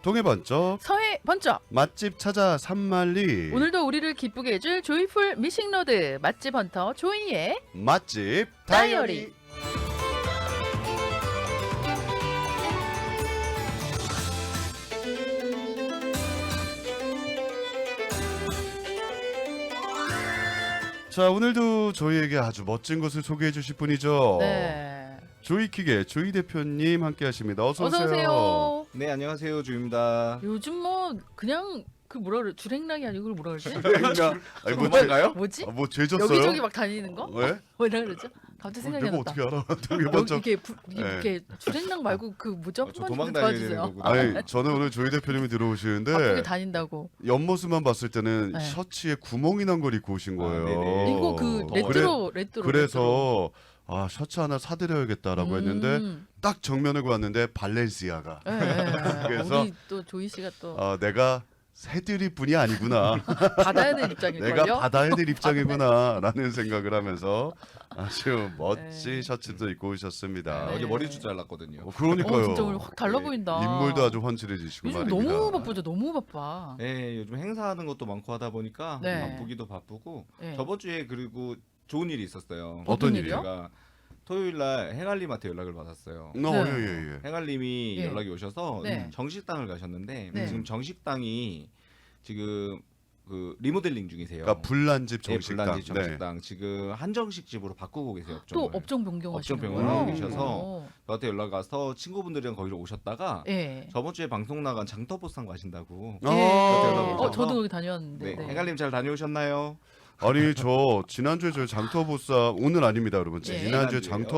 동해 번쩍 서해 번쩍. 맛집 찾아 산만리. 오늘도 우리를 기쁘게 해줄 조이풀 미싱로드 맛집 헌터 조이의 맛집 다이어리. 다이어리. 자, 오늘도 저희에게 아주 멋진 곳을 소개해 주실 분이죠. 네. 조이킥의 조이 대표님 함께 하십니다. 어서 오세요. 어서 오세요. 네, 안녕하세요. 주입니다. 요즘 뭐 그냥 그 뭐라 그래 주랭랑이 아니고 그걸 뭐라 그러지? 그러니까 아니 뭐 뭔가요? 뭐지? 뭐 죄졌어요? 여기저기 막 다니는 거? 왜? 뭐라 그러죠? 갑자기 생각이 내가 안 났다. 어떻게 알아? 동해 여기 번쩍. 이게 네. 이렇게 주랭랑 말고 그 뭐죠? 저 한번 도망 좀 다녀야 되는 도와주세요. 거구나. 아니 저는 오늘 조이 대표님이 들어오시는데 바쁘게 다닌다고. 옆모습만 봤을 때는 네. 셔츠에 구멍이 난 걸 입고 오신 거예요. 네네. 이거 그 더워요. 레트로. 그래서 아 셔츠 하나 사드려야겠다라고 했는데 딱 정면을 봤는데 발렌시아가. 예, 예. 그래서 우리 또 조이 씨가 또 내가 새드릴 분이 아니구나. 받아야 될 입장일걸요? 내가 받아야 될 입장이구나라는 생각을 하면서 아주 멋진 네. 셔츠도 입고 오셨습니다. 네. 어제 머리숱 잘랐거든요. 그러니까요. 진짜 오늘 확 달라 네. 보인다. 인물도 아주 훤칠해지시고 요즘 말입니다. 너무 바쁘죠. 너무 바빠. 네, 요즘 행사하는 것도 많고 하다 보니까 네. 바쁘기도 바쁘고 네. 저번 주에 그리고 좋은 일이 있었어요. 어떤 일이요? 제가 토요일 날 행알님한테 연락을 받았어요. 네. 예예예. 행알님이 예. 연락이 오셔서 네. 정식당을 가셨는데 네. 지금 정식당이 지금 그 리모델링 중이세요. 그러니까 불난집 네, 정식당. 불난집 정식당 지금 한정식 집으로 바꾸고 계세요. 또 업종을. 업종 변경하시는 업종 거예요? 변경하고 계셔서 어. 저한테 연락 와서 친구분들이랑 거기로 오셨다가 예. 저번 주에 방송 나간 장터보상 가신다고. 예. 연락 오셔서. 저도 거기 다녔는데. 네, 행갈님 잘 다녀오셨나요? 아니 저 지난주에 저희 장터복삼 오늘 아닙니다 여러분. 예. 지난주에 지난주에요?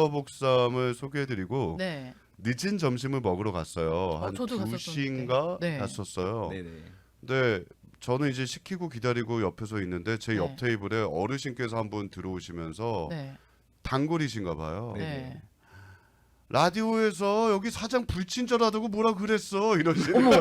장터복삼을 소개해드리고 네. 늦은 점심을 먹으러 갔어요. 한 저도 2시인가 네. 갔었어요. 네네. 근데 저는 이제 시키고 기다리고 옆에서 있는데 제 옆 네. 테이블에 어르신께서 한 분 들어오시면서 네. 단골이신가 봐요. 네. 라디오에서 여기 사장 불친절하다고 뭐라 그랬어 이러시는 어머.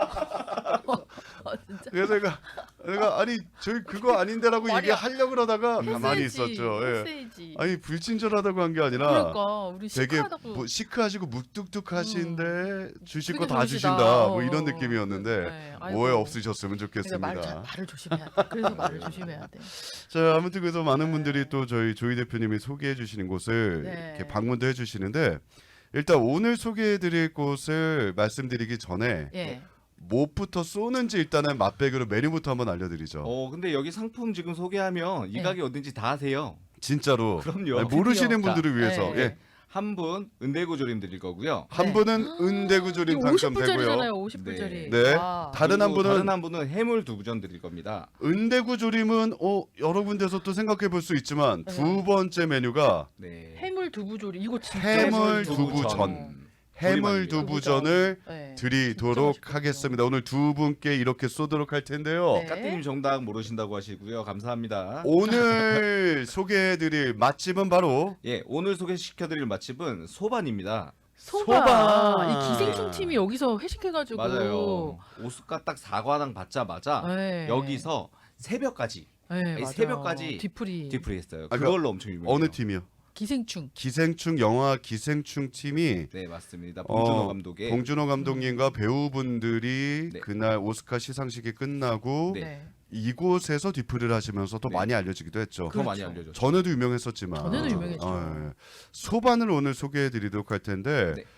진짜. 그래서 내가 아니 저희 그거 아닌데라고 말이야. 얘기하려고 그러다가 가만히 했어야지, 있었죠. 예. 했어야지. 아니 불친절하다고 한 게 아니라 그러니까 우리 되게 시크하다고. 뭐 시크하시고 묵뚝뚝하신데 주실 거 되게 다 좋으시다. 주신다 뭐 이런 느낌이었는데 네. 아이고. 오해 없으셨으면 그러니까 좋겠습니다. 말을 조심해야 돼. 그래서 말을 조심해야 돼. 자 아무튼 그래서 많은 분들이 또 저희 조이 대표님이 소개해 주시는 곳을 네. 이렇게 방문도 해주시는데 일단 오늘 소개해드릴 곳을 말씀드리기 전에 예. 무엇부터 쏘는지 일단은 맛백으로 메뉴부터 한번 알려드리죠. 근데 여기 상품 지금 소개하면 이 네. 가게 어딘지 다 아세요. 진짜로 그럼요. 아니, 모르시는 드디어. 분들을 위해서 네. 예. 한 분 은대구조림 드릴 거고요. 한 네. 분은 은대구조림 이거 당첨되고요. 50불짜리잖아요. 50불짜리. 네. 와. 다른 한 그리고 분은 다른 한 분은 해물 두부전 드릴 겁니다. 은대구조림은 여러 군데서 또 생각해 볼 수 있지만 네. 두 번째 메뉴가 네. 해물 두부조리 이거 진짜 해물 맛있어요. 두부전. 해물 두부전을 네. 드리도록 진짜 맛있거든요. 하겠습니다. 오늘 두 분께 이렇게 쏘도록 할 텐데요. 네. 까띠님 정답 모르신다고 하시고요. 감사합니다. 오늘 소개해드릴 맛집은 바로 예, 오늘 소개시켜드릴 맛집은 소반입니다. 소바. 소바. 이 기생충 팀이 여기서 회식해가지고. 맞아요. 오스카 딱 4관왕 받자마자 네. 여기서 새벽까지 네, 맞아요. 새벽까지 뒤풀이. 디프리 했어요. 아, 그걸로 엄청 유명해요. 어느 팀이요? 기생충. 기생충 영화 기생충 팀이 네, 맞습니다. 봉준호 감독의 봉준호 감독님과 배우분들이 네. 그날 오스카 시상식이 끝나고 네. 네. 이곳에서 디프를 하시면서 또 네. 많이 알려지기도 했죠. 더 많이 그렇죠. 알려졌죠. 전에도 유명했었지만 전에도 유명했죠. 예. 소반을 오늘 소개해드리도록 할 텐데 네.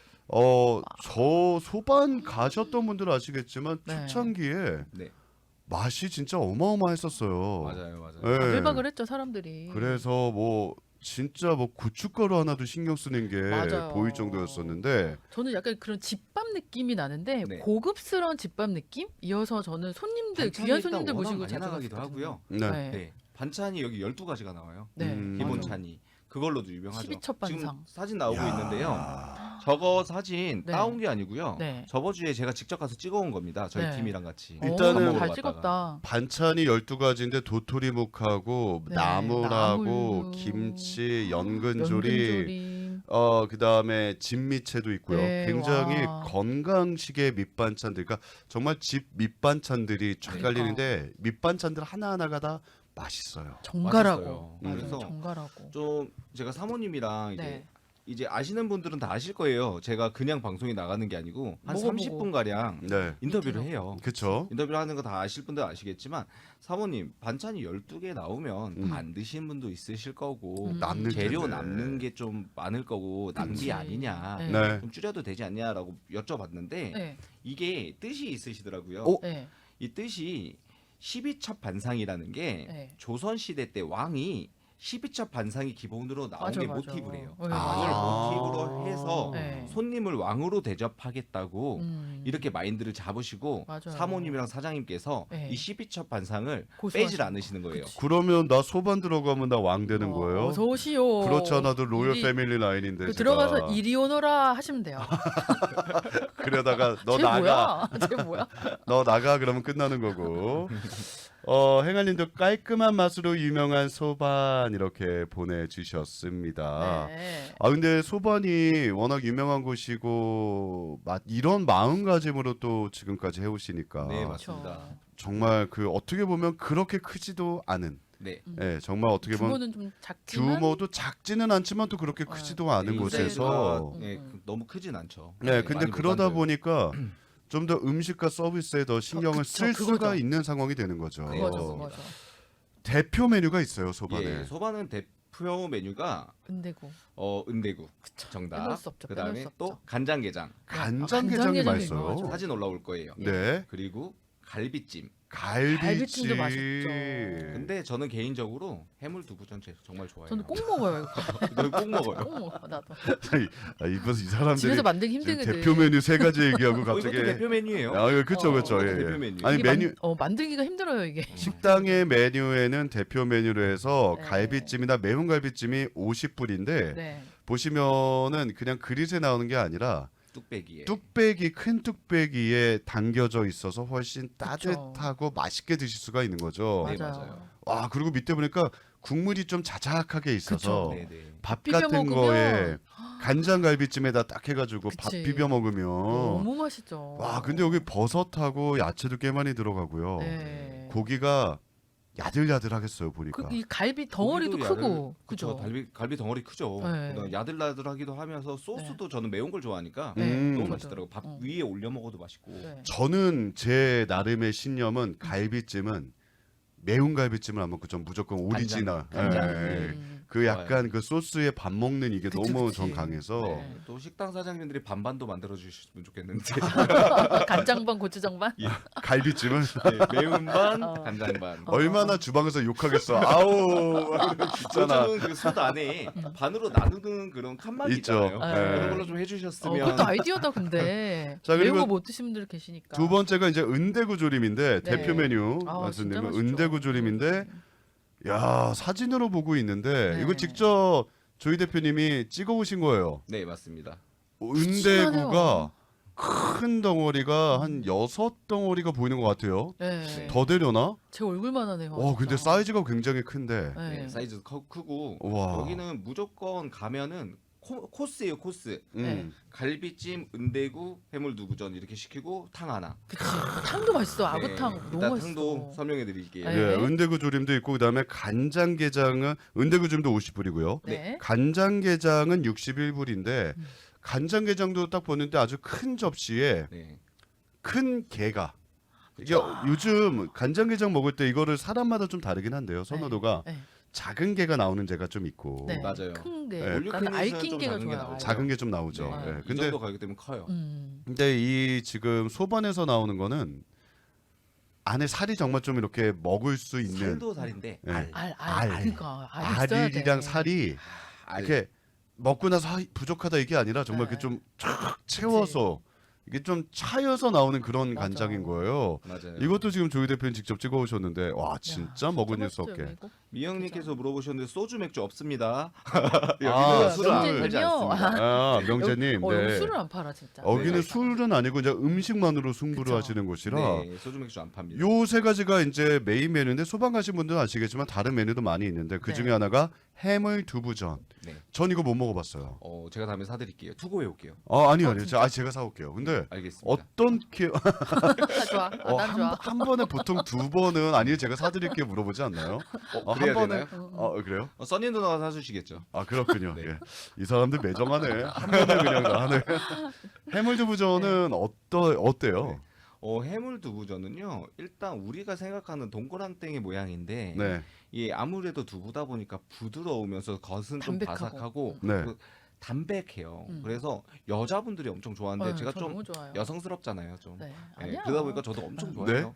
저 소반 가셨던 분들 아시겠지만 네. 초창기에 네, 맛이 진짜 어마어마했었어요. 맞아요. 예. 발박을 했죠 사람들이. 그래서 뭐 진짜 뭐 고춧가루 하나도 신경 쓰는 게 맞아요. 보일 정도였었는데 저는 약간 그런 집밥 느낌이 나는데 네. 고급스러운 집밥 느낌? 이어서 저는 손님들 반찬이 귀한 일단 손님들 워낙 모시고 많이 자주 나가기도 갔거든요. 하고요. 네. 네. 네, 반찬이 여기 12가지가 나와요. 네. 기본 맞아. 찬이. 그걸로도 유명하죠. 12첩 반상. 지금 사진 나오고 야. 있는데요. 저거 사진 네. 따온 게 아니고요. 네. 저번 주에 제가 직접 가서 찍어온 겁니다. 저희 네. 팀이랑 같이. 일단은 밥 먹으러 잘 갔다가. 찍었다. 반찬이 12가지인데 도토리묵하고 네, 나물하고 나물, 김치, 연근조림, 연근조림. 그다음에 진미채도 있고요. 네, 굉장히 와. 건강식의 밑반찬들, 그러니까 정말 집 밑반찬들이 쫙 그러니까. 깔리는데 밑반찬들 하나하나가 다 맛있어요. 정갈하고. 맛있어요. 맞아요. 그래서 정갈하고. 좀 제가 사모님이랑 이제 네. 이제 아시는 분들은 다 아실 거예요. 제가 그냥 방송에 나가는 게 아니고 한 먹어보고. 30분 가량 네. 인터뷰를 해요. 그렇죠. 인터뷰를 하는 거 다 아실 분들 아시겠지만 사모님 반찬이 12개 나오면 안 드시는 분도 있으실 거고 남는 재료 텐데. 남는 게 좀 많을 거고 낭비 그치. 아니냐 네. 네. 좀 줄여도 되지 않냐라고 여쭤봤는데 네. 이게 뜻이 있으시더라고요. 오. 네. 이 뜻이 12첩 반상이라는 게 네. 조선 시대 때 왕이 12첩 반상이 기본으로 나온 게 맞아. 모티브래요. 네. 왕을 모티브로 해서 네. 손님을 왕으로 대접하겠다고 음. 이렇게 마인드를 잡으시고 맞아요. 사모님이랑 사장님께서 네. 이 12첩 반상을 고수하시는 빼질 않으시는 거예요. 그러면 나 소반 들어가면 나 왕 되는 거예요? 어서 오시오. 그렇지 않아도 로열 일이- 패밀리 라인인데 그 제가. 들어가서 이리 오너라 하시면 돼요. 그러다가 너 쟤 나가 뭐야? 쟤 뭐야? 너 나가 그러면 끝나는 거고. 행알님도 깔끔한 맛으로 유명한 소반 이렇게 보내주셨습니다. 네. 아 근데 소반이 워낙 유명한 곳이고 이런 마음가짐으로 또 지금까지 해오시니까 네, 맞습니다. 정말 그 어떻게 보면 그렇게 크지도 않은, 네. 예, 정말 어떻게 보면 규모는 좀 작지만 규모도 작지는 않지만 또 그렇게 크지도 않은 네, 곳에서, 네, 너무 크진 않죠. 네, 근데 많이 그러다 못 만져요. 보니까 좀 더 음식과 서비스에 더 신경을 그쵸, 쓸 수가 그거죠. 있는 상황이 되는 거죠. 네, 그거죠, 맞습니다. 그거죠. 대표 메뉴가 있어요 소반에. 예, 소반은 대표 메뉴가 은대구. 은대구 빼놓을 정답. 수 없죠, 그다음에 빼놓을 수 또 없죠. 간장게장. 간장게장이 간장게장이 맛있어요. 유명하죠. 사진 올라올 거예요. 네, 그리고 갈비찜. 갈비찜. 갈비찜도 맛있죠. 근데 저는 개인적으로 해물 두부전 정말 좋아해요. 저는 꼭 먹어요. 이거. 꼭 먹어요. 꼭 먹어 나도. 이 사람들이 집에서 만들기 지금 힘들거든. 대표 메뉴 세 가지 얘기하고 이것도 갑자기 대표 메뉴예요. 그렇죠 그렇죠. 이것도 예. 대표 메뉴. 아니 이게 메뉴 만들기가 힘들어요 이게. 식당의 메뉴에는 대표 메뉴로 해서 네. 갈비찜이나 매운 갈비찜이 50불인데 네. 보시면은 그냥 그릇에 나오는 게 아니라 뚝배기에. 뚝배기 큰 뚝배기에 담겨져 있어서 훨씬 따뜻하고 맛있게 드실 수가 있는 거죠. 네, 맞아요. 맞아요. 와 그리고 밑에 보니까 국물이 좀 자작하게 있어서 그쵸. 네, 네. 밥 비벼 같은 먹으면 거에 간장갈비찜에다 딱 해가지고 밥 그치. 비벼 먹으면 너무 맛있죠. 와 근데 여기 버섯하고 야채도 꽤 많이 들어가고요. 네. 고기가 야들야들하겠어요 보니까. 이 갈비 덩어리도 고기도 크고 그죠. 그죠. 갈비 덩어리 크죠. 네. 그다음에 야들야들하기도 하면서 소스도 저는 매운 걸 좋아하니까 네, 너무 맞아요. 맛있더라고. 밥 위에 올려 먹어도 맛있고. 네. 저는 제 나름의 신념은 갈비찜은 매운 갈비찜을 안 먹고 좀 무조건 오리지널. 간장. 예. 그 약간 그 소스에 밥 먹는 이게 그치, 너무 그치. 전 강해서 네. 또 식당 사장님들이 반반도 만들어 주셨으면 좋겠는데 간장반 고추장 반. 갈비찜은 네, 매운 반, 어. 간장 반. 얼마나 주방에서 욕하겠어. 아우 있잖아. 요즘은 그솥 안에 반으로 나누는 그런 칸막이 있죠. 있잖아요. 네. 그런 걸로 좀 해주셨으면. 그것도 아이디어다 근데. 자, 그리고 매운 거 못 드시는 분들 계시니까. 두 번째가 이제 은대구 조림인데 네. 대표 메뉴 아, 진짜 말씀드리면 맛있죠. 은대구 조림인데 야 사진으로 보고 있는데 네. 이거 직접 조이 대표님이 찍어 오신 거예요. 네, 맞습니다. 은대구가 큰 덩어리가 한 6덩어리가 보이는 것 같아요. 네. 더 되려나? 제 얼굴만 하네요. 근데 진짜. 사이즈가 굉장히 큰데. 네. 네, 사이즈 크고 와. 여기는 무조건 가면은 코스예요, 코스. 음. 갈비찜, 은대구, 해물 두부전 이렇게 시키고 탕 하나. 그치. 탕도 맛있어. 아구탕 네, 너무 이따 맛있어. 탕도 설명해 드릴게요. 네. 예, 은대구 조림도 있고 그다음에 간장게장은 은대구 조림도 50불이고요. 네. 간장게장은 61불인데 간장게장도 딱 보는데 아주 큰 접시에 네. 큰 게가 이게 요즘 간장게장 먹을 때 이거를 사람마다 좀 다르긴 한데요. 선호도가 네. 작은 게가 나오는 게가 좀 있고 네. 맞아요. 큰 게. 네. 나는 올리브유는 알낀 좀 게가 작은 게 좋아요. 나오죠. 작은 게 좀 나오죠. 네. 예, 이 근데 정도 가격 때문에 커요. 근데 이 지금 소반에서 나오는 거는 안에 살이 정말 좀 이렇게 먹을 수 있는 살도 살인데 네. 알. 그러니까 알 있어야 돼. 알이랑 살이 알. 이렇게 먹고 나서 부족하다 이게 아니라 정말 네. 이렇게 좀 쫙 채워서 이게 좀 차여서 나오는 그런 맞아. 간장인 거예요. 맞아요. 이것도 지금 조이 대표님 직접 찍어 오셨는데 와 야, 진짜 먹은 일 수 맛있죠, 없게. 이거? 미영님께서 물어보셨는데 소주 맥주 없습니다. 여기는 아, 술을 안 명재님이요? 팔지 않습니다. 아 명재님, 여기 네. 술을 안 팔아 진짜. 여기는 네. 술은 아니고 이제 음식만으로 승부를 그쵸. 하시는 곳이라 네, 소주 맥주 안 팝니다. 요 세 가지가 이제 메인 메뉴인데 소방 가신 분들은 아시겠지만 다른 메뉴도 많이 있는데 그 중에 네. 하나가 해물 두부전. 네. 전 이거 못 먹어봤어요. 제가 다음에 사드릴게요. 투고해 올게요. 아니요. 진짜? 제가 사올게요. 근데 알겠습니다. 어떤 다 좋아. 난 좋아. 한 번에 보통 두 번은 아니요 제가 사드릴게 물어보지 않나요? 한 그래야 번에 되나요? 그래요? 써니 누나가 사주시겠죠. 그렇군요. 네. 예. 이 사람들 매정하네. 한 번에 그냥 다 하네. 해물두부전은 어때요? 네. 해물두부전은요. 일단 우리가 생각하는 동그랑땡의 모양인데 네. 이 아무래도 두부다 보니까 부드러우면서 겉은 좀 담백하고. 바삭하고 네. 담백해요. 그래서 여자분들이 엄청 좋아하는데 제가 저 좀 너무 좋아요. 여성스럽잖아요. 좀. 네. 네, 아니야. 그러다 보니까 저도 엄청 네. 좋아해요.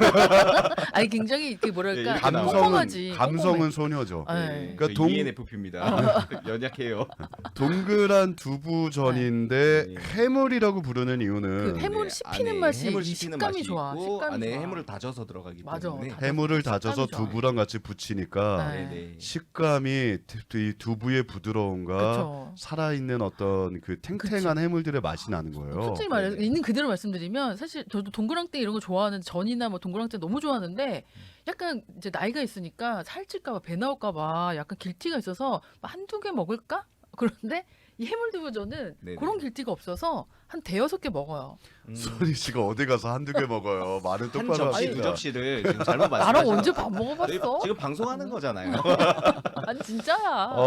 아니 굉장히 그 뭐랄까 이렇게 꼼꼼하지. 감성은 소녀죠. 네. 그러니까 저 ENFP입니다. 연약해요. 동그란 두부전인데 네. 해물이라고 부르는 이유는 그 해물 씹히는 안에 맛이 해물 이 씹히는 식감이 맛이 좋아. 있고 식감이 안에 좋아. 해물을 다져서 들어가기 맞아. 때문에 해물을 식감이 다져서 좋아. 두부랑 같이 부치니까 네. 네네. 식감이 이 두부의 부드러움과 그렇죠. 살아있는 어떤 그 탱탱한 해물들의 맛이 나는 거예요. 솔직히 말해서 네네. 있는 그대로 말씀드리면 사실 저도 동그랑땡 이런 거 좋아하는 전이나 뭐 동그랑땡 너무 좋아하는데 약간 이제 나이가 있으니까 살찔까봐 배 나올까봐 약간 길티가 있어서 한두 개 먹을까? 그런데 이 해물두부전은 네네. 그런 길티가 없어서 한 대여섯 개 먹어요. 소리 씨가 어디 가서 한두 개 먹어요. 말을 한 똑바로 접시 두 합시다. 접시를 지금 잘못 나랑 말씀하시는 언제 밥 먹어봤어? 지금 방송하는 거잖아요. 아니 진짜야.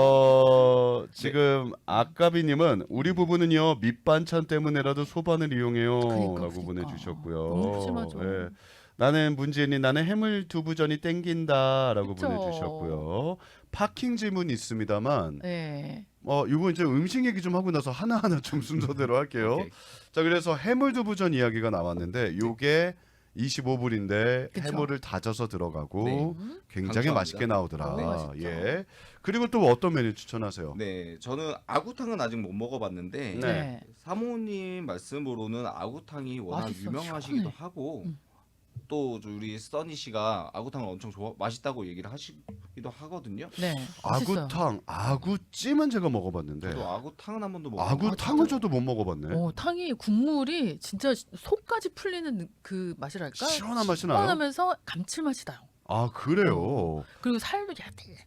지금 아까비님은 우리 부부는요 밑반찬 때문에라도 소반을 이용해요라고 그러니까. 보내주셨고요. 너무 심하죠. 예. 나는 문재인이 나는 해물 두부전이 땡긴다라고 그쵸. 보내주셨고요. 파킹 질문 있습니다만 네. 이거 이제 음식 얘기 좀 하고 나서 하나하나 좀 순서대로 할게요. 오케이. 자 그래서 해물 두부전 이야기가 나왔는데 요게 25불인데 그쵸. 해물을 다져서 들어가고 네. 굉장히 강추합니다. 맛있게 나오더라. 너무 맛있죠. 예. 그리고 또 어떤 메뉴 추천하세요? 네, 저는 아구탕은 아직 못 먹어봤는데 네. 네. 사모님 말씀으로는 아구탕이 워낙 맛있어, 유명하시기도 시원해. 하고 음. 또 우리 써니 씨가 아구탕을 엄청 맛있다고 얘기를 하시기도 하거든요. 네. 맛있어요. 아구탕, 아구찜은 제가 먹어봤는데 저도 아구탕은 한 번도 아구탕은 저도 못 먹어봤네. 탕이 국물이 진짜 속까지 풀리는 그 맛이랄까? 시원한 맛이 나요? 시원하면서 감칠맛이 나요. 아 그래요. 그리고 살도 야들야들.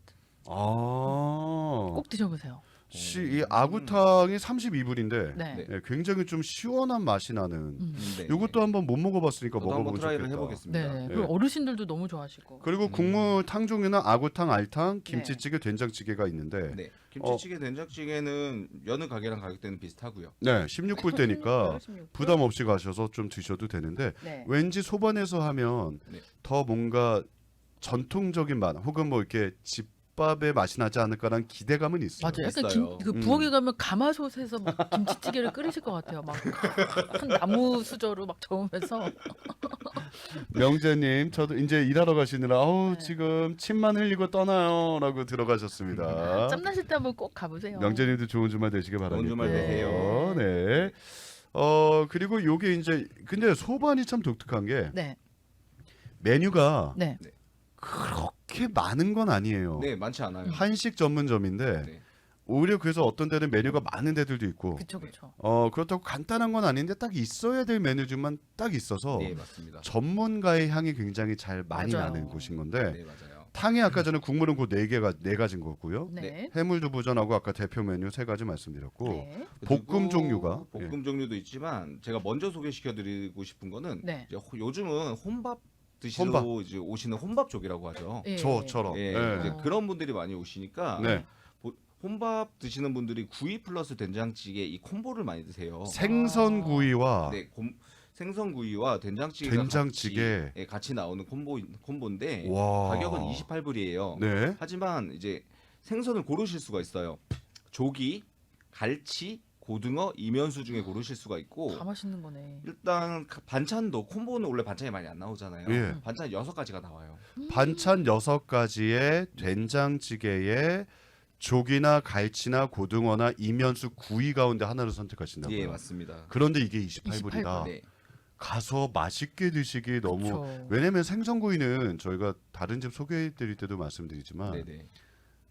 아, 꼭 드셔보세요. 이 아구탕이 32불인데 네. 네. 굉장히 좀 시원한 맛이 나는. 네. 이것도 한번 못 먹어봤으니까 저도 한번 먹어보면 트라이를 좋겠다. 해보겠습니다. 네. 네. 그리고 어르신들도 너무 좋아하시고. 그리고 국물 탕 종류는 아구탕, 알탕, 김치찌개, 된장찌개가 있는데 네, 김치찌개, 된장찌개는 여느 가게랑 가격대는 비슷하고요. 네, 16불 대니까 16. 부담 없이 가셔서 좀 드셔도 되는데 네. 왠지 소반에서 하면 네. 더 뭔가 전통적인 맛 혹은 뭐 이렇게 집밥의 맛이 나지 않을까라는 기대감은 있어요. 맞아요. 약간 있어요. 그 부엌에 가면 가마솥에서 막 김치찌개를 끓이실 것 같아요. 막 큰 나무 수저로 막 저으면서. 명재님, 저도 이제 일하러 가시느라 네. 지금 침만 흘리고 떠나요라고 들어가셨습니다. 짬나실 때 한번 꼭 가보세요. 명재님도 좋은 주말 되시길 바랍니다. 주말 되세요. 네. 그리고 요게 이제 근데 소반이 참 독특한 게 네. 메뉴가 네. 그렇게 많은 건 아니에요. 네, 많지 않아요. 한식 전문점인데 네. 오히려 그래서 어떤 데는 메뉴가 많은 데들도 있고 그쵸 그쵸. 그렇다고 간단한 건 아닌데 딱 있어야 될 메뉴들만 딱 있어서 네, 맞습니다. 전문가의 향이 굉장히 잘 많이 맞아요. 나는 곳인 건데 네, 맞아요. 탕이 아까 전에 국물은 그 네 가지인 거고요. 네. 해물두부전하고 아까 대표 메뉴 3가지 말씀드렸고 네. 볶음 그리고 종류가 볶음 종류도 있지만 제가 먼저 소개시켜드리고 싶은 거는 네. 이제 요즘은 혼밥 드시러 이제 오시는 혼밥족이라고 하죠. 예. 저처럼 예, 네. 이제 그런 분들이 많이 오시니까 네. 혼밥 드시는 분들이 구이 플러스 된장찌개 이 콤보를 많이 드세요. 생선구이와 네, 생선구이와 된장찌개가 된장찌개. 같이 나오는 콤보인데 와. 가격은 28불이에요. 네. 하지만 이제 생선을 고르실 수가 있어요. 조기, 갈치, 고등어, 이면수 중에 고르실 수가 있고 다 맛있는 거네. 일단 반찬도 콤보는 원래 반찬이 많이 안 나오잖아요. 예. 반찬 6가지가 나와요. 반찬 6가지에 된장찌개에 조기나 갈치나 고등어나 이면수 구이 가운데 하나를 선택하신다고요. 예, 맞습니다. 그런데 이게 28불이다. 28불. 네. 가서 맛있게 드시기 너무 그쵸. 왜냐면 생선구이는 저희가 다른 집 소개해 드릴 때도 말씀드리지만 네, 네.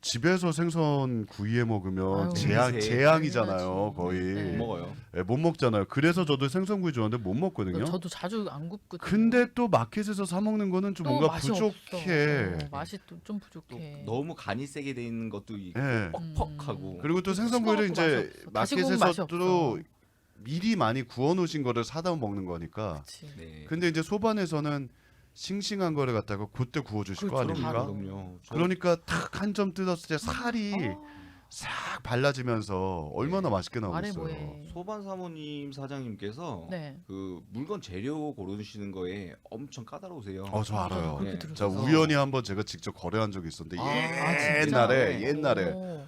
집에서 생선 구이해 먹으면 아유, 재앙이잖아요 당연하지. 거의. 네. 못 먹어요. 예, 못 먹잖아요. 그래서 저도 생선구이 좋아하는데 못 먹거든요. 저도 자주 안 굽거든요. 근데 또 마켓에서 사 먹는 거는 좀 또 뭔가 맛이 부족해. 없어. 맛이 또 좀 또 부족해. 너무 간이 세게 돼 있는 것도 있고 예. 퍽퍽하고. 그리고 또 생선구이를 씹어갖고 이제 맛이 없어. 다시 구우면 맛이 마켓에서 또 없어. 미리 많이 구워 놓으신 거를 사다 먹는 거니까. 그치. 네. 근데 이제 소반에서는 싱싱한 거를 갖다가 그때 구워 주실 거 그렇죠. 아닙니까? 바로. 그럼요. 그러니까 탁 한 점 뜯었을 때 살이 아, 싹 발라지면서 얼마나 맛있게 말해 나오겠어요. 뭐해. 소반 사모님 사장님께서 네. 그 물건 재료 고르시는 거에 엄청 까다로우세요. 저 알아요. 그렇게 네. 자 들었어. 우연히 한번 제가 직접 거래한 적이 있었는데 진짜? 옛날에 오.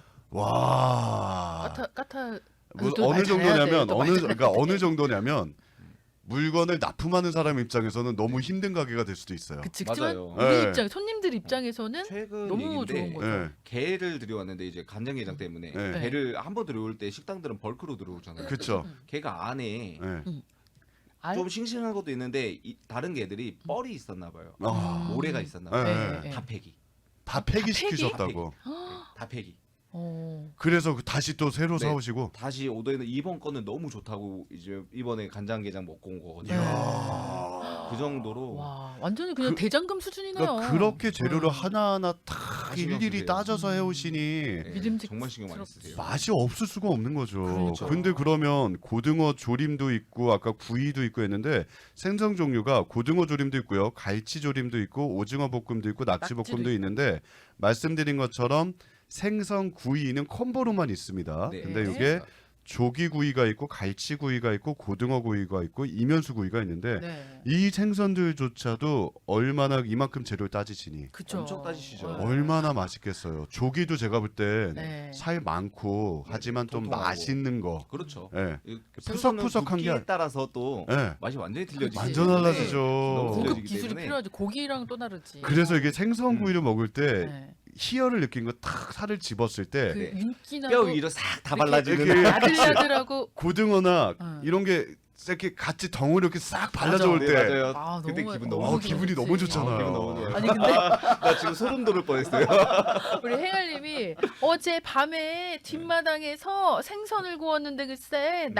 와 까타 뭐 또 어느 말 잘해야 정도냐면 돼. 또 그러니까 어느 정도냐면 물건을 납품하는 사람 입장에서는 너무 힘든 가게가 될 수도 있어요. 그치. 그치만 맞아요. 우리 네. 입장 손님들 입장에서는 최근 너무 얘기인데 좋은 거죠. 예. 게를 들여왔는데 이제 간장게장 때문에 네. 게를 한 번 들여올 때 식당들은 벌크로 들어오잖아요. 그렇죠. 게가 안에 예. 알? 좀 싱싱한 것도 있는데 다른 게들이 뻘이 있었나 봐요. 아, 모래가 있었나 네. 봐요. 네. 다 폐기. 다 폐기 폐기? 시키셨다고. 다 폐기. 어. 그래서 다시 또 새로 네. 사오시고. 다시 오더에는 이번 거는 너무 좋다고 이제 이번에 간장게장 먹고 온 거거든요. 네. 이야. 그 정도로 와, 완전히 그냥 대장금 수준이네요. 그러니까 그렇게 재료를 음. 하나하나 다 신경 일일이 쓰세요. 따져서 해오시니 네, 믿음직스럽- 정말 신경 많이 쓰세요. 맛이 없을 수가 없는 거죠. 그렇죠. 근데 그러면 고등어 조림도 있고 아까 구이도 있고 했는데 생선 종류가 고등어 조림도 있고요. 갈치 조림도 있고 오징어 볶음도 있고 낙지 낙지도 볶음도 있고. 있는데 말씀드린 것처럼 생선 구이는 콤보로만 있습니다. 네. 근데 이게 조기 구이가 있고 갈치 구이가 있고 고등어 구이가 있고 이면수 구이가 있는데 네. 이 생선들조차도 얼마나 이만큼 재료를 따지시니 그쵸. 엄청 따지시죠. 네. 얼마나 맛있겠어요. 조기도 제가 볼 땐 네. 살 많고 네, 하지만 좀 통통하고. 맛있는 거. 그렇죠. 예. 이 푸석푸석한 게 푸석푸석에 따라서 또 예. 맛이 완전히 틀려지기 그치. 완전 때문에 달라지죠. 너무 고급 틀려지기 기술이 때문에 필요하지. 고기랑 또 다르지. 그래서 이게 생선 구이를 먹을 때 네. 희열을 느낀 거 탁 살을 집었을 때 그 네. 윤기나 뼈 위로 싹 다 이렇게 발라주는 이렇게 야들야들하고 고등어나 응. 이런 게 이렇게 같이 덩어리 이렇게 싹 발라져 올 네, 때 맞아요. 아, 그때 너무 기분 너무 너무 기분이 좋지. 너무 좋잖아요. 기분 너무 좋아요. 아니 근데 나 지금 소름 돋을 뻔했어요. 우리 행알님이 어제 밤에 뒷마당에서 생선을 구웠는데 글쎄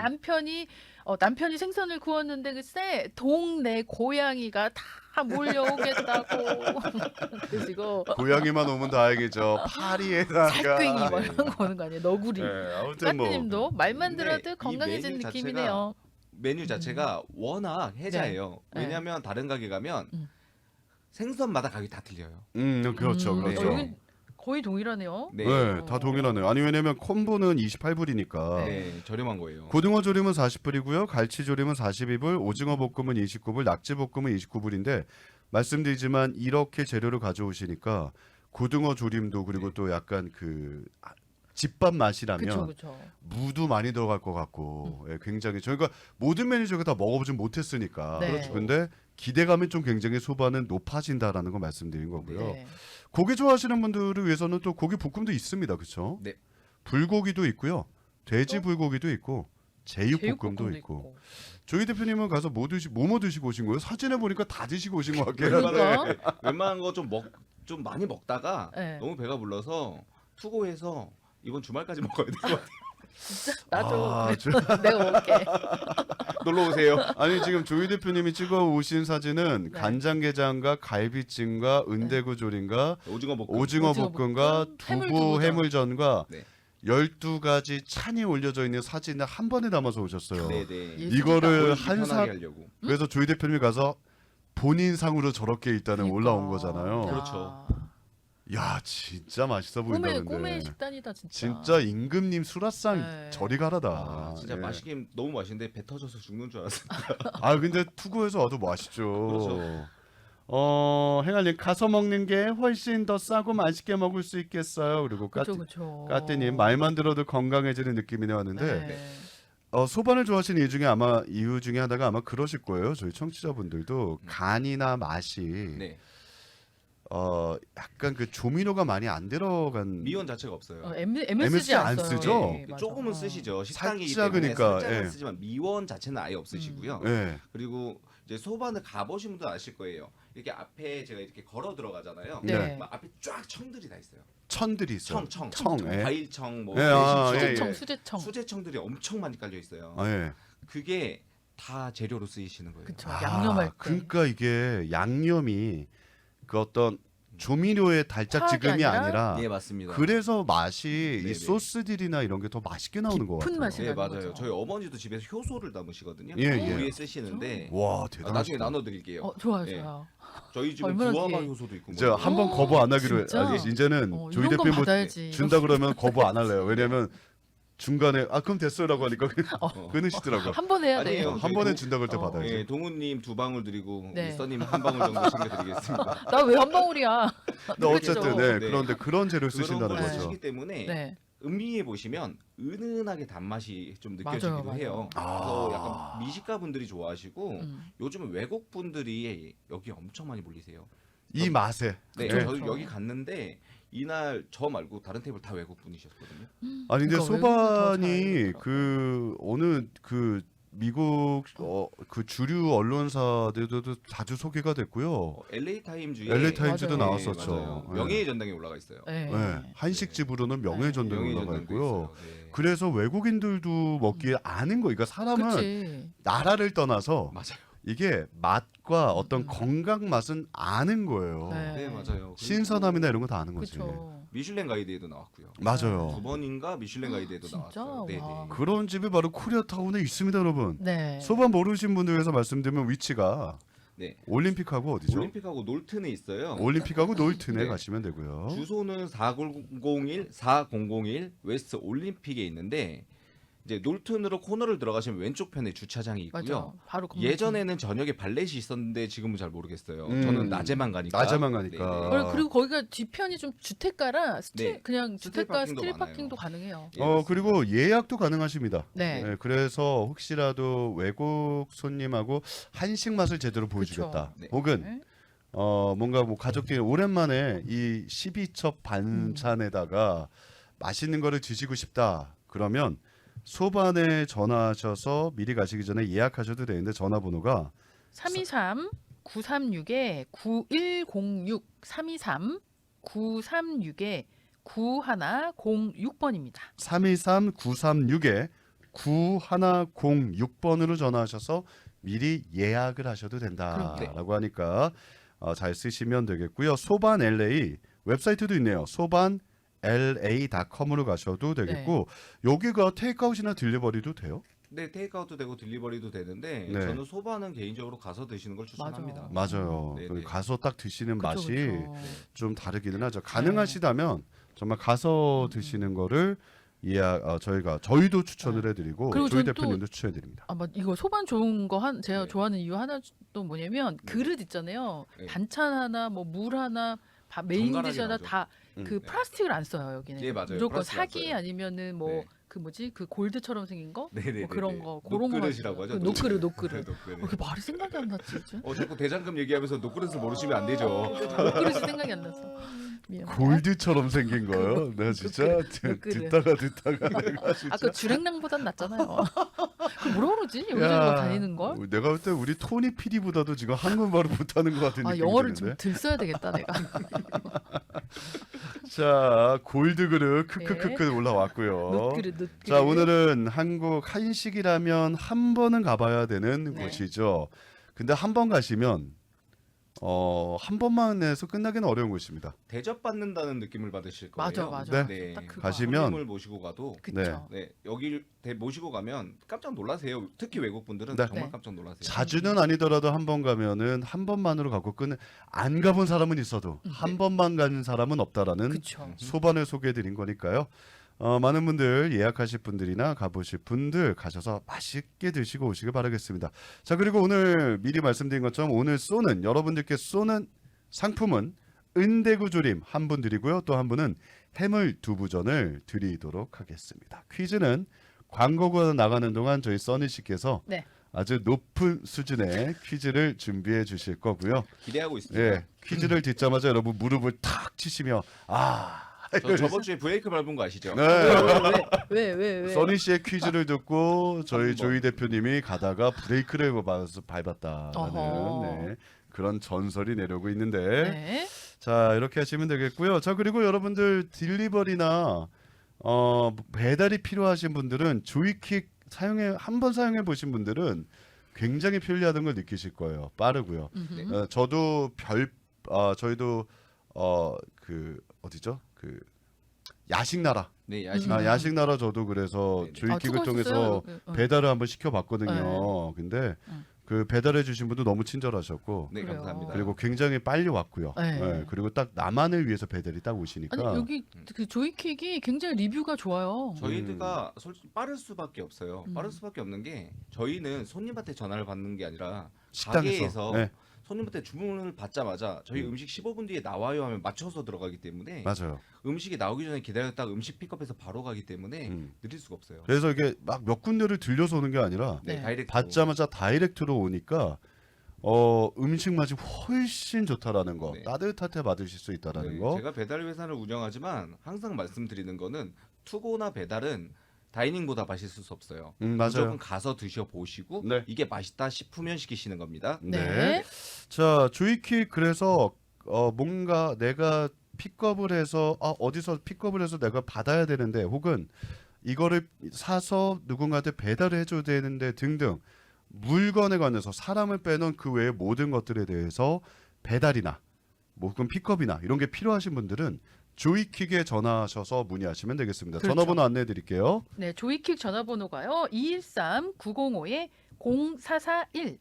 남편이 생선을 구웠는데 글쎄 동네 고양이가 다 몰려오겠다고 그러시고 고양이만 오면 다행이죠. 파리에다가 살쾡이 막 이런 거 오는 거 아니에요. 너구리. 네, 아무튼 뭐 까띠님도 말만 근데 들어도 이 건강해진 메뉴 느낌이네요. 메뉴 자체가 워낙 해자예요. 네. 왜냐하면 다른 가게 가면 생선마다 가격이 다 틀려요. 그렇죠. 네. 그렇죠. 여긴 거의 동일하네요. 네, 네, 다 동일하네요. 아니 왜냐면 콤보는 28불이니까. 네, 저렴한 거예요. 고등어 조림은 40불이고요. 갈치 조림은 42불, 오징어 볶음은 29불, 낙지 볶음은 29불인데 말씀드리지만 이렇게 재료를 가져오시니까 고등어 조림도 그리고 또 약간 그 집밥 맛이라면 그렇죠, 그렇죠. 무도 많이 들어갈 것 같고 예, 굉장히 저희가 모든 메뉴 저희가 다 먹어보진 못했으니까 네. 그렇죠. 근데 기대감이 좀 굉장히 소반은 높아진다라는 거 말씀드린 거고요. 네. 고기 좋아하시는 분들을 위해서는 또 고기 볶음도 있습니다. 그렇죠? 네. 불고기도 있고요. 돼지 불고기도 있고 제육볶음도 제육볶음도 있고. 조이 대표님은 가서 뭐 드시고 오신 거예요? 사진에 보니까 다 드시고 오신 것 같긴 한데. 그러니까. 웬만한 거 좀 많이 먹다가 네. 너무 배가 불러서 투고해서 이번 주말까지 먹어야 될 것 같아요. 나도 아, 내가 먹을게. 놀러 오세요. 아니 지금 조이 대표님이 찍어 오신 사진은 네. 간장게장과 갈비찜과 은대구조림과 오징어 볶음. 오징어 오징어 볶음과 볶음, 두부 해물전과 네. 12가지 찬이 올려져 있는 사진을 한 번에 담아서 오셨어요. 네, 네. 예. 이거를 편하게 한 사 하려고. 그래서 조이 대표님이 가서 본인 상으로 저렇게 일단은 그러니까. 올라온 거잖아요. 야. 그렇죠. 야 진짜 맛있어 꿈의 보인다는데. 식단이다 진짜. 진짜 임금님 수라상 네. 저리 가라다. 아, 진짜 예. 맛있긴 너무 맛있는데 배 터져서 죽는 줄 알았어요. 아 근데 투고해서 와도 맛있죠. 그렇죠. 행알님 가서 먹는 게 훨씬 더 싸고 맛있게 먹을 수 있겠어요. 그리고 그렇죠. 까띠님 말만 들어도 건강해지는 느낌이네 왔는데 네. 소반을 좋아하시는 이유 중에 하나가 아마 그러실 거예요. 저희 청취자분들도 간이나 맛이 네. 약간 그 조미료가 많이 안 들어간 미원 자체가 없어요. MSG 안 안 써요. 쓰죠? 네, 맞아. 조금은 쓰시죠. 식당이기 살짝 때문에 그러니까, 살짝은 예. 쓰지만 미원 자체는 아예 없으시고요. 예. 그리고 이제 소반을 가보신 분들 아실 거예요. 이렇게 앞에 제가 이렇게 걸어 들어가잖아요. 네. 막 앞에 쫙 청들이 다 있어요. 천들이 있어요. 청, 예. 과일청, 뭐 예, 아, 매실청, 예, 수제청, 예. 수제청. 수제청들이 엄청 많이 깔려 있어요. 아, 예. 그게 다 재료로 쓰이시는 거예요. 그쵸. 양념할 때. 그러니까 이게 양념이 그 어떤 조미료의 달짝지근이 화학이 아니라? 아니라 예, 맞습니다. 그래서 맛이 네네. 이 소스들이나 이런 게 더 맛있게 나오는 것 깊은 같아요. 맛이 네, 나는 맞아요. 거죠. 저희 어머니도 집에서 효소를 담으시거든요. 예, 예. 우리에 쓰시는데 와 아, 대단하시다. 나중에 나눠드릴게요. 좋아요, 네. 좋아요. 저희 집은 얼마나 구아바 귀해. 효소도 있고. 이제 뭐. 한번 거부 안 하기로 진짜? 이제는 조이 이런 건 대표 뭐 받아야지. 준다 그러면 거부 안 할래요. 왜냐면 중간에 그럼 됐어요라고 하니까 어. 끊으시더라고요. 한 번 해야 돼. 아니에요. 한 번에 준다 그럴 때 어. 받아야죠. 예, 동훈님 2방울 드리고 네. 미스터님 1방울 정도 챙겨드리겠습니다. 나 왜 한 방울이야? 근데 어쨌든 네, 네. 그런데 그런 재료를 그런 쓰신다는 걸 거죠. 쓰시기 때문에 네. 음미해 보시면 은은하게 단맛이 좀 느껴지기도 맞아요, 해요. 맞아요. 그래서 아. 약간 미식가 분들이 좋아하시고 음. 요즘은 외국 분들이 여기 엄청 많이 몰리세요. 이 맛에. 네, 네. 저도 그쵸. 여기 갔는데 이날 저 말고 다른 테이블 다 외국 분이셨거든요. 아니 근데 그러니까 소반이 외국이 더 그 어느 그 미국 그 주류 언론사들도 자주 소개가 됐고요. LA 타임즈에 LA 타임즈도 맞아요. 나왔었죠. 맞아요. 네. 명예의 전당에 올라가 있어요. 네. 네. 한식집으로는 명예전당에 명예의 올라가 전당도 있고요. 있어요. 네. 그래서 외국인들도 먹기에 아는 거. 그러니까 사람은 그치. 나라를 떠나서 맞아요. 이게 맛과 어떤 건강 맛은 아는 거예요. 네. 네, 맞아요. 신선함이나 이런 거 다 아는 거지. 그쵸. 미슐랭 가이드에도 나왔고요. 맞아요. 2번인가 미슐랭 가이드에도 진짜? 나왔어요. 네, 와. 네. 그런 집이 바로 코리아타운에 있습니다, 여러분. 네. 소반 모르신 분들 위해서 말씀드리면 위치가 네. 올림픽하고 어디죠? 올림픽하고 놀튼에 있어요. 올림픽하고 놀튼에 네. 가시면 되고요. 주소는 4001 웨스트 올림픽에 있는데 이제 놀튼으로 코너를 들어가시면 왼쪽 편에 주차장이 있고요. 맞아. 바로 건물 예전에는 저녁에 발렛이 있었는데 지금은 잘 모르겠어요. 음. 저는 낮에만 가니까. 낮에만 가니까. 네, 뒤- 그리고 거기가 뒤편이 좀 주택가라 네. 그냥 스트릿 주택가 파킹도 스트릿 많아요. 파킹도 가능해요. 예, 맞습니다. 그리고 예약도 가능하십니다. 네. 네, 그래서 혹시라도 외국 손님하고 한식 맛을 제대로 보여주겠다. 네. 혹은 네. 뭔가 뭐 가족끼리 오랜만에 이 12첩 반찬에다가 맛있는 거를 드시고 싶다. 그러면 소반에 전화하셔서 미리 가시기 전에 예약하셔도 되는데 전화번호가 323 936에 9106 323 936에 9106번입니다. 323-936에 9106번으로 전화하셔서 미리 예약을 하셔도 된다라고 하니까 잘 쓰시면 되겠고요. 소반 LA 웹사이트도 있네요. 소반 la.com으로 가셔도 되겠고 여기가 테이크아웃이나 딜리버리도 돼요? 네, 테이크아웃도 되고 딜리버리도 되는데 네. 저는 소바는 개인적으로 가서 드시는 걸 추천합니다. 맞아요. 네, 그 네. 가서 딱 드시는 그쵸, 맛이 그쵸. 좀 다르기는 하죠. 가능하시다면 정말 가서 드시는 거를 저희도 추천을 해드리고 그리고 조이 저는 또- 대표님도 추천해드립니다. 이거 소반 좋은 거 제가 네. 좋아하는 이유 하나 또 뭐냐면 그릇 있잖아요. 네. 반찬 하나 뭐 물 하나 메인 정갈하게 디시 하나 나오죠. 다 그 음. 플라스틱을 안 써요 여기는. 예, 맞아요. 무조건 플라스틱 안 사기 써요. 아니면은 뭐 네. 그 뭐지 그 골드처럼 생긴 거 네네네. 뭐 그런 거 그런 거 녹그릇이라고 하죠. 노크릇 녹그릇. 그 말이 생각이 안 났지 요즘. 자꾸 대장금 얘기하면서 녹그릇을 모르시면 안 되죠. 노크릇이 생각이 안 났어. 미안. 골드처럼 생긴 거요. 내가 진짜 그릇. 듣다가 내가 진짜 아까 주랭랑보단 낫잖아요. 그 뭐라 그러지? 여기저기 막 다니는 걸? 내가 볼 때 우리 토니 PD보다도 지금 한국말을 못하는 것 같은 느낌이 영어를 드는데. 좀 들써야 되겠다 내가. 자 골드 그릇 크크크크 올라왔고요. 노크릇. 자 오늘은 한국 한식이라면 한 번은 가봐야 되는 네. 곳이죠. 근데 한 번 가시면 한 번만 해서 끝나기는 어려운 곳입니다. 대접받는다는 느낌을 받으실 거예요. 맞아. 네. 딱 그거. 가시면 손님을 모시고 가도 그쵸. 네, 여기 모시고 가면 깜짝 놀라세요. 특히 외국 분들은 네. 정말 네. 깜짝 놀라세요. 자주는 아니더라도 한 번 가면은 한 번만으로 가고 안 가본 사람은 있어도 한 번만 가는 사람은 없다라는 그쵸. 소반을 소개해드린 거니까요. 많은 분들 예약하실 분들이나 가보실 분들 가셔서 맛있게 드시고 오시길 바라겠습니다. 자 그리고 오늘 미리 말씀드린 것처럼 오늘 여러분들께 쏘는 상품은 은대구 조림 한 분 드리고요. 또 한 분은 해물 두부전을 드리도록 하겠습니다. 퀴즈는 광고가 나가는 동안 저희 써니 씨께서 네. 아주 높은 수준의 퀴즈를 준비해 주실 거고요. 기대하고 있습니다. 예, 퀴즈를 듣자마자 여러분 무릎을 탁 치시며 저 저번 주에 브레이크 밟은 거 아시죠? 네. 왜? 써니 씨의 퀴즈를 듣고 저희 한번. 조이 대표님이 가다가 브레이크를 밟았다라는 어허. 네, 그런 전설이 내려오고 있는데 네. 자 이렇게 하시면 되겠고요. 자 그리고 여러분들 딜리버리나 배달이 필요하신 분들은 조이킥 한번 사용해 보신 분들은 굉장히 편리하다는 걸 느끼실 거예요. 빠르고요. 음흠. 저도 저희도 그 어디죠? 그 야식나라. 네, 야식. 야식나라 저도 그래서 네네. 조이킥을 통해서 수고하셨어요. 배달을 한번 시켜봤거든요. 네. 근데 그 배달해 주신 분도 너무 친절하셨고 네, 그래요. 감사합니다. 그리고 굉장히 빨리 왔고요. 네. 네, 그리고 딱 나만을 위해서 배달이 딱 오시니까 아니 여기 그 조이킥이 굉장히 리뷰가 좋아요. 저희가 솔직히 빠를 수밖에 없어요. 음. 빠를 수밖에 없는 게 저희는 손님한테 전화를 받는 게 아니라 식당에서 가게에서 네, 손님한테 주문을 받자마자 저희 음식 15분 뒤에 나와요 하면 맞춰서 들어가기 때문에 맞아요. 음식이 나오기 전에 기다렸다가 음식 픽업해서 바로 가기 때문에 느릴 수가 없어요. 그래서 이게 막 몇 군데를 들려서 오는 게 아니라 네, 네. 다이렉트 받자마자 다이렉트로 오니까 음식 맛이 훨씬 좋다라는 거, 네. 따뜻할 때 받으실 수 있다라는 거. 제가 배달 회사를 운영하지만 항상 말씀드리는 거는 투고나 배달은 다이닝보다 맛있을 수 없어요. 맞아요. 무조건 가서 드셔 보시고 네. 이게 맛있다 싶으면 시키시는 겁니다. 네. 자, 조이킥 그래서 뭔가 내가 픽업을 해서 어디서 픽업을 해서 내가 받아야 되는데 혹은 이거를 사서 누군가한테 배달을 해줘야 되는데 등등 물건에 관해서 사람을 빼놓은 그 외의 모든 것들에 대해서 배달이나 뭐 혹은 픽업이나 이런 게 필요하신 분들은 조이킥에 전화하셔서 문의하시면 되겠습니다. 그렇죠. 전화번호 안내해 드릴게요. 네, 조이킥 전화번호가요. 213-905-0441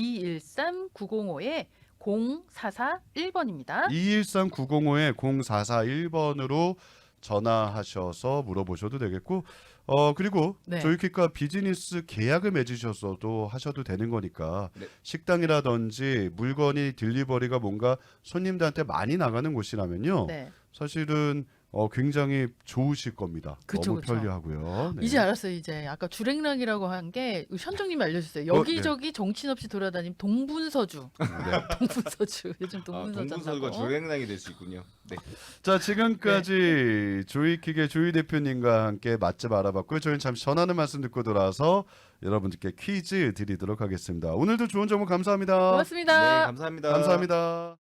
213-905-0441번입니다. 213-905-0441번으로 전화하셔서 물어보셔도 되겠고 그리고 네. 조이킥과 비즈니스 계약을 맺으셔서도 하셔도 되는 거니까 네. 식당이라든지 물건이 딜리버리가 뭔가 손님들한테 많이 나가는 곳이라면요. 네. 사실은 굉장히 좋으실 겁니다. 그쵸, 너무 그쵸. 편리하고요. 네. 이제 알았어요. 이제 아까 주랭랑이라고 한 게 현정님이 알려주세요. 네. 여기저기 정신없이 돌아다니는 동분서주. 네. 동분서주. 요즘 동분서주 동분서주가 한다고. 주행랑이 될 수 있군요. 네. 자 지금까지 조이킥의 조이 대표님과 함께 맛집 알아봤고요. 저희는 잠시 전하는 말씀 듣고 돌아와서 여러분들께 퀴즈 드리도록 하겠습니다. 오늘도 좋은 정보 감사합니다. 고맙습니다. 네, 감사합니다. 감사합니다.